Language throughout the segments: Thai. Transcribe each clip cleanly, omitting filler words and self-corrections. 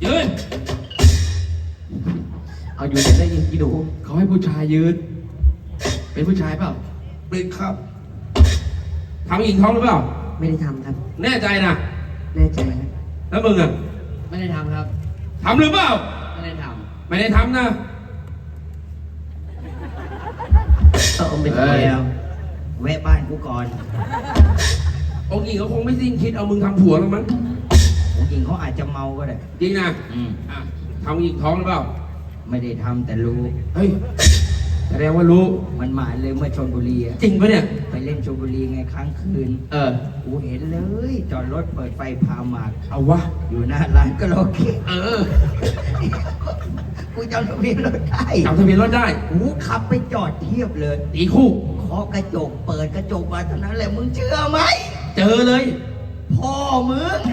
ยืนเอาอยู่จะได้ยินกี่ดูเขาให้ผู้ชายยืนเป็นผู้ชายเปล่าเป็นครับทำหญิงท้องหรือเปล่าไม่ได้ทำครับแน่ใจนะแน่ใจครับแล้วมึงอ่ะไม่ได้ทำครับทำหรือเปล่าไม่ได้ทำไม่ได้ทำนะไม่ทำแล้วแวะบ้านกูก่อนองค์หญิงเขาคงไม่สิ้นคิดเอามึงทำผัวแล้วมั้งองค์หญิงเขาอาจจะเมาก็ได้จริงนะทำหญิงท้องหรือเปล่าไม่ได้ทำแต่รู้เฮ้ยแสดงว่ารู้มันมาเลยเมื่อชลบุรีจริงปะเนี่ยไปเล่นชลบุรีไงครั้งคืนกูเห็นเลยจอดรถเปิดไฟพาหมากเอาวะอยู่หน้าร้านก็โอเคกูจำทะเบียนรถได้จำทะเบียนรถได้กูขับไปจอดเทียบเลยตีคู่เคาะกระจกเปิดกระจกมาเท่านั้นแหละมึงเชื่อไหมเจอเลยพ่อมึง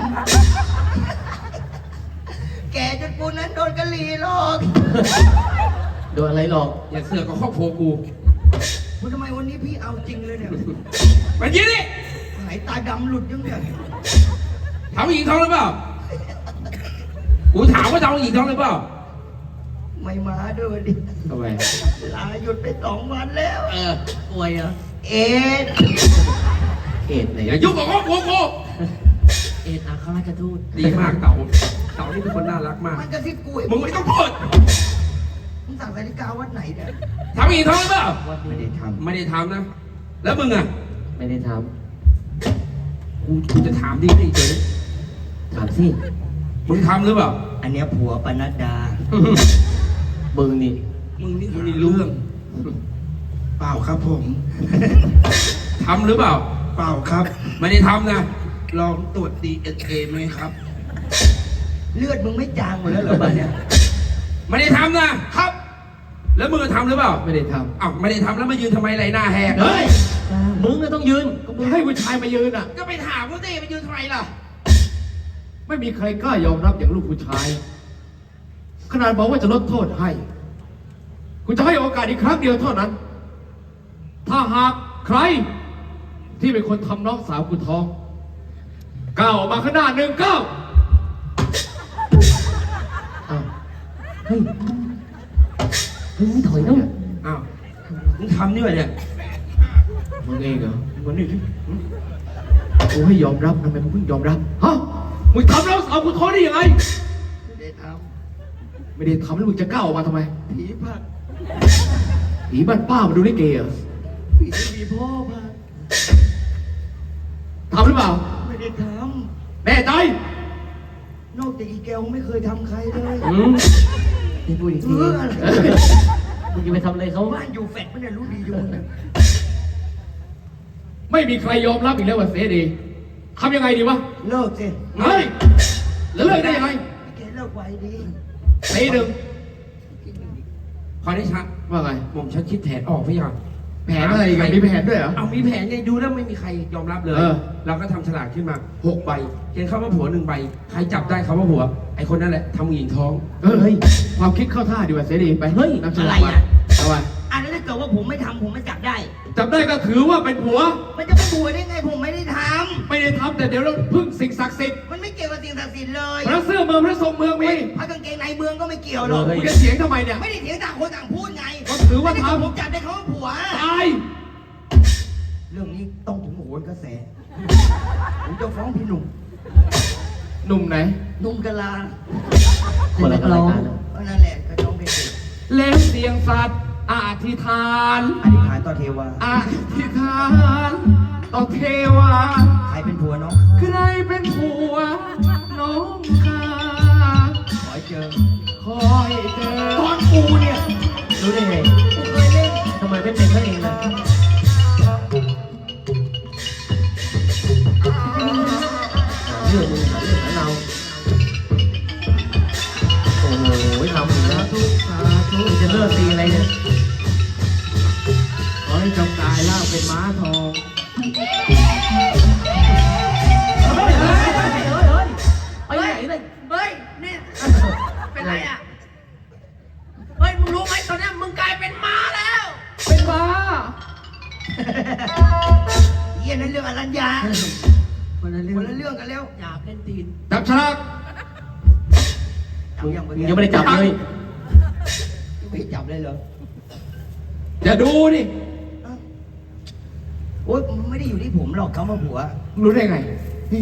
แกจนกูนั้นโดนกะหรี่หลอกโดนอะไรหรอกอย่าเสือกกับครอบครัวกูทำไมวันนี้พี่เอาจริงเลยเนี่ยมันยิงดิหายตาดำหลุดยังเนี่ยทำหญิงท้องหรือเปล่ากูถามว่าทำหญิงท้องหรือเปล่าไม่มาด้วยดิทำไมลาหยุดไป2 วันแล้วป่วยเหรอเอดไหนอย่ายุ่งกับครอบครัวกูอัครราชทูตดีมากเต่านี่เป็นคนน่ารักมากมันกระซิบกูมึงไม่ต้องพูดมึงสั่งนาฬิกาวัดไหนเนี่ยทำหญิงท้องหรือเปล่าไม่ได้ทำนะแล้วมึงอ่ะไม่ได้ทำกูจะถามดิเฉยถามสิมึงทำหรือเปล่าอันเนี้ยผัวปนัดดามึงนี่มีเรื่องเปล่าครับผมทำหรือเปล่าเปล่าครับไม่ได้ทำนะลองตรวจ DNA ไหมครับเลือดมึงไม่จางหมดแล้วเหรอบ้านเนี้ยไม่ได้ทำนะครับแล้วมึงทำหรือเปล่าไม่ได้ทำอ้าวไม่ได้ทำแล้วมายืนทำไมไรหน้าแหกเฮ้ยมึงก็ต้องยืนก็มึงให้ผู้ชายมายืนอ่ะก็ไปถามว่าเต้มายืนทำไมล่ะไม่มีใครกล้ายอมรับอย่างลูกผู้ชายขนาดบอกว่าจะลดโทษให้กูจะให้โอกาสอีกครั้งเดียวเท่านั้นถ้าหากใครที่เป็นคนทำน้องสาวกูท้องก้าวออกมาข้างหน้า1 ก้าวเฮ้ยมึงถอยต้องอ้าวมึงทำนี่วะเนี่ยมึงเองเหรอมึงนี่กูให้ยอมรับทำไมมึงเพิ่งยอมรับฮะมึงทำน้องสาวกูท้องได้ยังไงไม่ได้ทำแล้วมึงจะก้าวออกมาทำไมผีพักผีบ้านป้ามาดูลิเกเหรอผีมีพ่อพักทำหรือเปล่าไม่ได้ทำแน่ใจนอกจากอีแกวไม่เคยทำใครเลยนี่พูดอีกทีมึงจะไปทำอะไรเขาบ้านอยู่แฟดไม่ได้รู้ดีอยู่ไม่มีใครยอมรับอีกแล้วว่าเสดีทำยังไงดีวะเลิกสิเฮ้ยเลิกได้ยังไงแกเลิกไวดีตีหนึ่งขอได้ชัดว่าไงผมฉันคิดแผนออกพี่ยังแผนอะไรกันมีแผนด้วยเหรอเอามีแผนไงดูแล้วไม่มีใครยอมรับเลยเราก็ทำฉลากขึ้นมา6 ใบเขียนคำว่าผัว1 ใบใครจับได้คำว่าผัวไอคนนั่นแหละทำหญิงท้องเฮ้ยความคิดเข้าท่าดีกว่าเสดีไปเฮ้ยนำฉลากมาเอาไว้อันนั้นถ้าเกิดว่าผมไม่ทำผมไม่จับได้ก็ถือว่าเป็นผัวมันจะเป็นผัวได้ไงผมไม่ได้ทำแต่เดี๋ยวเราพึ่งสิ่งศักดิ์สิทธิ์มันไม่เกี่ยวกับสิ่งศักดิ์สิทธิ์เลยพระเสื้อเมืองพระทรงเมืองมีพระกางเกงในเมืองก็ไม่เกี่ยวหรอกคุณจะเถียงทำไมเนี่ยไม่ได้เถียงต่างคนต่างพูดไงก็ถือว่าทำผมจับได้เขาว่าผัวตายเรื่องนี้ต้องถึงโหนกระแสผมจะฟ้องพี่หนุ่มไหนหนุ่มกะลาคนละรายการนั่นแหละก็ต้องเป็นแล้วเสียงสัตว์อธิษฐานต่อเทวาอธิษฐานต่อเทวาใครเป็นผัวน้องใครเป็นผัวน้องข้าขอให้เจอตอนกูเนี่ยรู้ได้ไงกูเคยเล่นทำไมไม่เป็นเขาเองล่ะเรื่องมึงเรื่องของเราโอ้โหทำอีกแล้วจะเลิกตีอะไรเนี่ยขอให้จงกายล่างเป็นม้าทองเฮ้ยนี่เป็นไรอ่ะเฮ้ยมึงรู้ไหมตอนนี้มึงกลายเป็นม้าแล้วเป็นม้าเยี่ยนั่นเรื่องอรัญญาคนละเรื่องกันแล้วอยากเล่นตีนจับฉลากจับยังมึงยังไม่ได้จับเลยไม่จับเลยเหรอจะดูดิโอ๊ยไม่ได้อยู่ที่ผมหรอกเขามาผัวมึงรู้ได้ไงนี่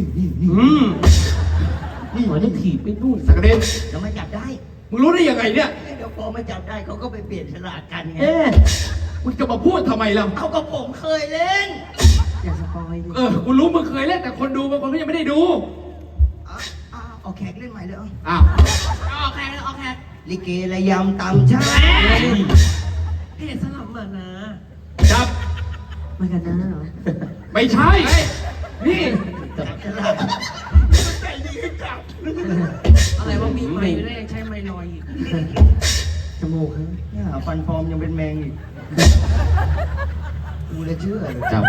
นี่หัวจะถีบไปนู่นสักกระเด็นจะมาจับได้มึงรู้ได้ยังไงเนี่ยเดี๋ยวพอมาจับได้เขาก็ไปเปลี่ยนฉลากกันไงมึงจะมาพูดทำไมล่ะเอากับผมเคยเล่น อย่าสปอยดิกูรู้มึงเคยเล่นแต่คนดูบางคนก็ยังไม่ได้ดูเอาแขกเล่นใหม่เลยอ้าวเอาแขกเอาแขกลิเกระยำตำชาเพศสลับมานะจับมากันนะเหรอไม่ใช่ นี่จับฉลากใจดีจับอะไรว่ามีไม้ไม่ได้ใช้ไม้ลอยอีกจมูกเนี่ยฟันปลอมยังเป็นแมงอีกกูเลยเชื่อเลยจับ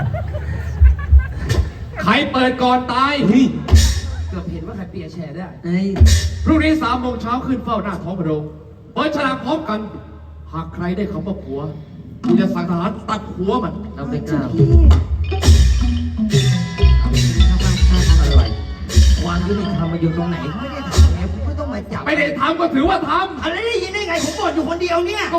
ใครเปิดก่อนตายเกือบเห็นว่าใครเปียแชร์ได้พรุ่งนี้3 โมงเช้าขึ้นเฝ้าหน้าท้องพระโรงเปิดฉลากพร้อมกัน หากใครได้คำว่าผัวกูจะสั่งทหารตัดหัวมันเราไม่กล้าอะไรความยุติธรรมมาอยู่ตรงไหนไม่ได้ทำไงผมก็ต้องมาจับไม่ได้ทำก็ถือว่าทำอะไรได้ยินได้ไงผมบอกอยู่คนเดียวเนี่ย